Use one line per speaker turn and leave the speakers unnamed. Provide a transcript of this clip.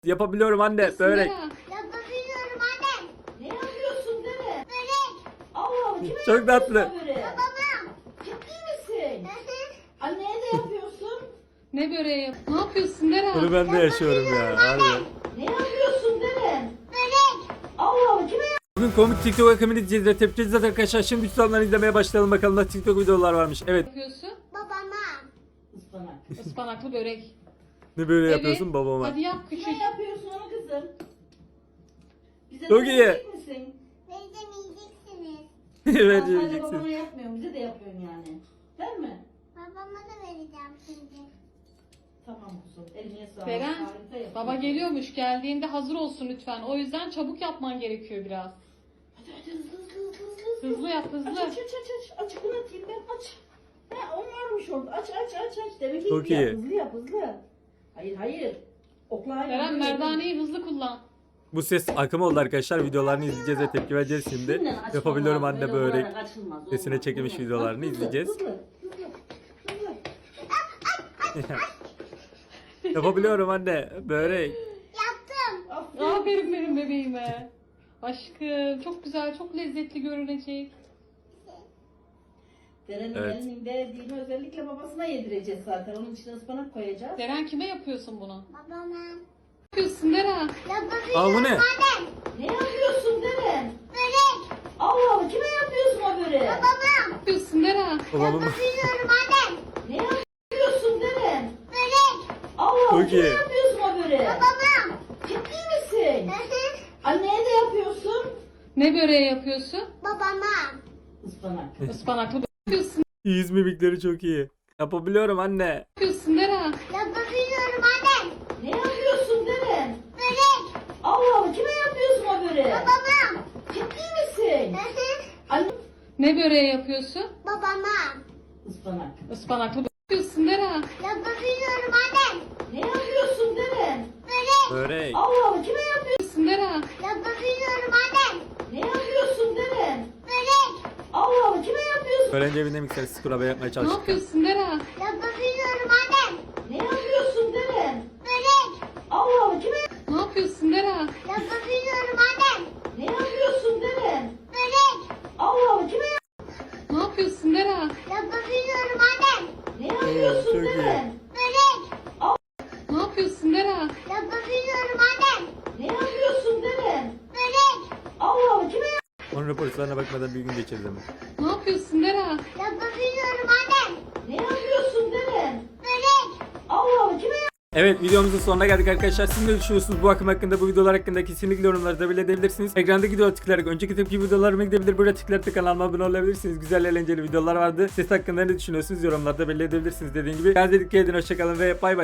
Yapabiliyorum anne. Börek.
Yapabiliyorum anne.
Ne yapıyorsun deme?
Börek.
Allah kime
Çok tatlı.
yapıyorsun böreği?
Babama.
Ciddi misin? Anneye de yapıyorsun.
Ne böreği yap? Ne yapıyorsun Deren?
Bunu ben de yaşıyorum ya. Harbi.
Ne yapıyorsun deme?
Börek.
Allah kime
Bugün komik TikTok akımını izleyeceğiz ve tepki edeceğiz arkadaşlar. Şimdi tutanları izlemeye başlayalım bakalım da TikTok videolar varmış. Evet.
Yapıyorsun?
Babama.
Ispanak.
Ispanaklı börek.
Ne böyle
Evet.
yapıyorsun babama?
Hadi yap küçük.
Ne yapıyorsun onu kızım? Bize
Çok
de
iyi.
verecek misin?
Veremeyeceksiniz.
Evet
Sadece babana
yiyeceksin.
yapmıyorum. Bize de yapıyorsun yani. Değil mi?
Babama da vereceğim şimdi.
Tamam kuzum. Eline sağlık.
Beren,
Harika yapıyorsun.
baba geliyormuş. Geldiğinde hazır olsun lütfen. O yüzden çabuk yapman gerekiyor biraz.
Hadi hadi hızlı.
Hızlı yap,
Aç
hızlı.
aç aç aç. Aç bunu atayım ben aç. Ha on varmış orada. Aç aç aç aç. Demek ki
Çok
hızlı
iyi.
yap hızlı yap hızlı. Hayır hayır. Okla hayır.
Deren merdaneyi hızlı kullan.
Bu ses akım oldu arkadaşlar. Videolarını izleyeceğiz ve tepki vereceğiz şimdi. Yapabiliyorum anne börek. Sesine çekilmiş videolarını izleyeceğiz. Yapabiliyorum anne. Börek.
Yaptım.
Aferin benim bebeğime. Aşkım çok güzel, çok lezzetli görünecek.
Deren'in
Evet.
elinin verdiğini özellikle babasına yedireceğiz zaten. Onun içine ıspanak koyacağız.
Deren kime yapıyorsun bunu?
Babama.
Ne yapıyorsun Deren?
Yapabiliyorum
Aa, bu ne?
anne.
Ne yapıyorsun Deren?
Börek.
Allah kime yapıyorsun o böreği?
Babama.
Ne yapıyorsun Deren?
Babamın
Yapabiliyorum anne.
Ne yapıyorsun Deren?
Börek.
Allah
Çok
kime
iyi.
yapıyorsun o böreği?
Babama.
Ciddi misin? Anneye de yapıyorsun.
Ne böreği yapıyorsun?
Babama.
Ispanak.
Ispanaklı börek. Ne yapıyorsun?
yüz mimikleri çok iyi. Yapabiliyorum anne.
Ne yapıyorsun Deren?
Yapabiliyorum anne.
Ne yapıyorsun Deren?
Börek.
Allah kime yapıyorsun o böreği?
Babama.
Ciddi misin? Anne.
Ne böreği yapıyorsun?
Babama.
Ispanak.
Ispanaklı börek. Ne yapıyorsun Deren?
Yapabiliyorum anne.
Ne yapıyorsun Deren?
Börek.
Börek.
Allah kime yapıyorsun?
Ne yapıyorsun Deren?
Yapabiliyorum anne.
Ne yapıyorsun Deren?
Börek.
Allah kime yapıyorsun?
Öğrenci evinde miksersiz kurabiye yapmaya
Ne
çalıştık.
yapıyorsun Deren?
Yapabiliyorum anne.
Ne yapıyorsun Deren?
Börek.
Allah kime?
Ne yapıyorsun Deren?
Yapabiliyorum anne.
Ne yapıyorsun Deren?
Börek.
Allah kime?
Ne yapıyorsun Deren?
Yapabiliyorum anne.
Ne yapıyorsun
çok iyi.
Deren?
Börek.
Ne yapıyorsun Deren?
Yapabiliyorum anne.
Ne yapıyorsun Deren?
Börek.
Allah kime?
Onun raporlarına bakmadan bir gün geçiririz hemen.
Ne yapıyorsun Deren?
Yapabiliyorum anne.
Ne yapıyorsun Deren?
Börek.
Allah kime?
Evet, videomuzun sonuna geldik arkadaşlar. Siz ne düşünüyorsunuz bu akım hakkında, bu videolar hakkında? Kesinlikle yorumlarda belirtebilirsiniz. Ekrandaki videoya tıklayarak önceki tepki videolarıma gidebilir. Burada tıklayarak kanalıma abone olabilirsiniz. Güzel eğlenceli videolar vardı. Ses hakkında ne düşünüyorsunuz yorumlarda belirtebilirsiniz dediğim gibi. Kendinize dikkat edin, hoşçakalın ve bay bay.